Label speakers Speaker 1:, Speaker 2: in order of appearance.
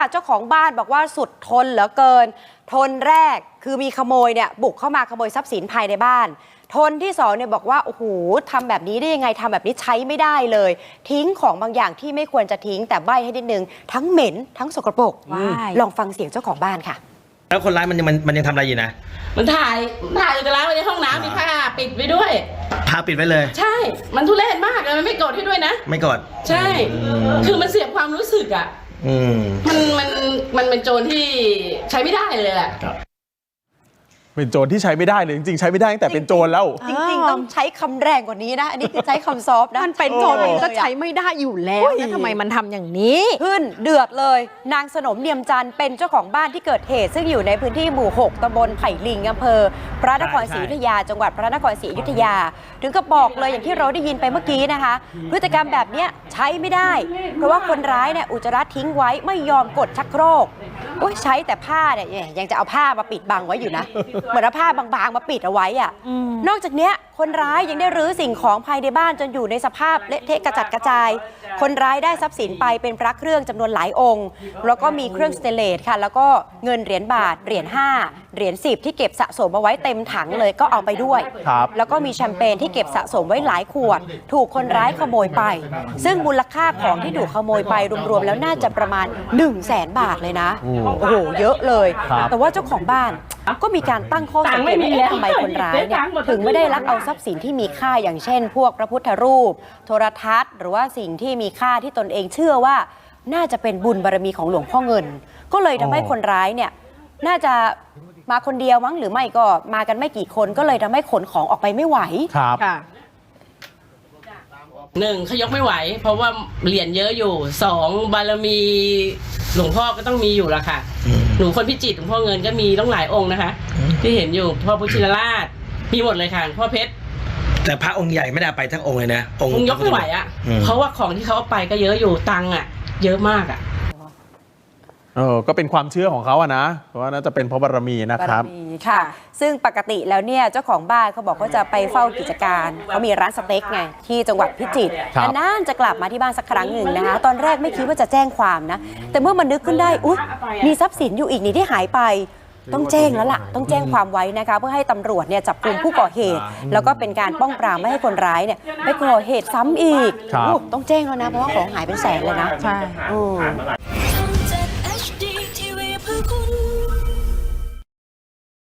Speaker 1: เจ้าของบ้านบอกว่าสุดทนเหลือเกินทนแรกคือมีขโมยเนี่ยบุกเข้ามาขโมยทรัพย์สินภายในบ้านทนที่2เนี่ยบอกว่าโอ้โหทำแบบนี้ได้ยังไงทำแบบนี้ใช้ไม่ได้เลยทิ้งของบางอย่างที่ไม่ควรจะทิ้งแต่ใบ้ให้นิดนึงทั้งเหม็นทั้งสกปรกลองฟังเสียงเจ้าของบ้านค่ะ
Speaker 2: แล้วคนร้ายมันยังทำอะไรอยู่นะ
Speaker 3: มันถ่ายอุจจาระไว้ในห้องน้ำมีผ้าปิดไว้ด้วย
Speaker 2: ผ้าปิดไว้เลย
Speaker 3: ใช่มันทุเรศมากเลยมันไม่กดให้ด้วยนะ
Speaker 2: ไม่กด
Speaker 3: ใช่คือมันเสียความรู้สึกอ่ะมันเป็นโจรที่ใช้ไม่ได้เลยแหละ
Speaker 4: เป็นโจรที่ใช้ไม่ได้เลยจริงๆใช้ไม่ได้ตั้งแต่เป็นโจรแล้ว
Speaker 1: จริงๆต้องใช้คำแรงกว่านี้นะอันนี้คือใช้คำซอฟต์นะ
Speaker 5: มันเป็นโจรมันก็ใช้ไม่ได้อยู่แล้วแล้วทำไมมันทำอย่างนี้
Speaker 1: ขึ้นเดือดเลยนางสนมเนียมจันทร์เป็นเจ้าของบ้านที่เกิดเหตุซึ่งอยู่ในพื้นที่หมู่ 6 ตำบลไผ่ลิงอำเภอพระนครศรีอยุธยาจังหวัดพระนครศรีอยุธยาถึงกับบอกเลยอย่างที่เราได้ยินไปเมื่อกี้นะคะพฤติกรรมแบบนี้ใช้ไม่ได้เพราะว่าคนร้ายเนี่ยอุจจาระทิ้งไว้ไม่ยอมกดชักโครกใช้แต่ผ้าเนี่ยยังจะเอาผ้ามาปิดบังไว้อยู่นะเหมือนเอาผ้าบางๆมาปิดเอาไว้อ่ะนอกจากเนี้ยคนร้ายยังได้รื้อสิ่งของภายในบ้านจนอยู่ในสภาพเละเทะกระจัดกระจายคนร้ายได้ทรัพย์สินไปเป็นพระเครื่องจำนวนหลายองค์แล้วก็มีเครื่องสเตนเลสค่ะแล้วก็เงินเหรียญบาทเหรียญ5เหรียญ10ที่เก็บสะสมเอาไว้เต็มถังเลยก็เอาไปด้วยแล้วก็มีแชมเปญที่เก็บสะสมไว้หลายขวดถูกคนร้ายขโมยไปซึ่งมูลค่าของที่ถูกขโมยไปรวมๆแล้วน่าจะประมาณ 100,000 บาทเลยนะโอ้โหเยอะเลยแต่ว่าเจ้าของบ้านก็มีการตั้งข้อสังเกตว่าทำไมคนร้ายเนี่ยถึงไม่ได้ลักเอาทรัพย์สินที่มีค่าอย่างเช่นพวกพระพุทธรูปโทรทัศน์หรือว่าสิ่งที่มีค่าที่ตนเองเชื่อว่าน่าจะเป็นบุญบารมีของหลวงพ่อเงินก็เลยทำให้คนร้ายเนี่ยน่าจะมาคนเดียวมั้งหรือไม่ก็มากันไม่กี่คนก็เลยทำให้ขนของออกไปไม่ไหว
Speaker 4: ครับ
Speaker 3: 1เขายกไม่ไหวเพราะว่าเหรียญเยอะอยู่2บารมีหลวงพ่อก็ต้องมีอยู่ละค่ะหนูคนพิจิตรหลวงพ่อเงินก็มีต้องหลายองค์นะคะที่เห็นอยู่พ่อพุทธชินราชมีหมดเลยค่ะพ่อเพชร
Speaker 2: แต่พระองค์ใหญ่ไม่ได้ไปทั้งองค์เลยนะ
Speaker 3: องค์ยกไม่ไหวอ่ะเพราะว่าของที่เขาเอาไปก็เยอะอยู่ตังค์อ่ะเยอะมากอ่ะ
Speaker 4: ก็เป็นความเชื่อของเขาอะนะเพราะว่าน่าจะเป็นเพราะบารมีนะครับ
Speaker 1: ค่ะซึ่งปกติแล้วเนี่ยเจ้าของบ้านเขาบอกว่าจะไปเฝ้ากิจการเขามีร้านสเต็กไงที่จังหวัดพิจิตรนานจะกลับมาที่บ้านสักครั้งหนึ่งนะคะตอนแรกไม่คิดว่าจะแจ้งความนะแต่เมื่อมันนึกขึ้นได้อุ๊ยมีทรัพย์สินอยู่อีกนี่ที่หายไปต้องแจ้งแล้วล่ะต้องแจ้งความไว้นะคะเพื่อให้ตำรวจเนี่ยจับกุมผู้ก่อเหตุแล้วก็เป็นการป้องปรามไม่ให้คนร้ายเนี่ยไปก่อเหตุซ้ำอีกต้องแจ้งแล้วนะเพราะว่าของหายเป็นแสนเลยนะ
Speaker 4: ใช่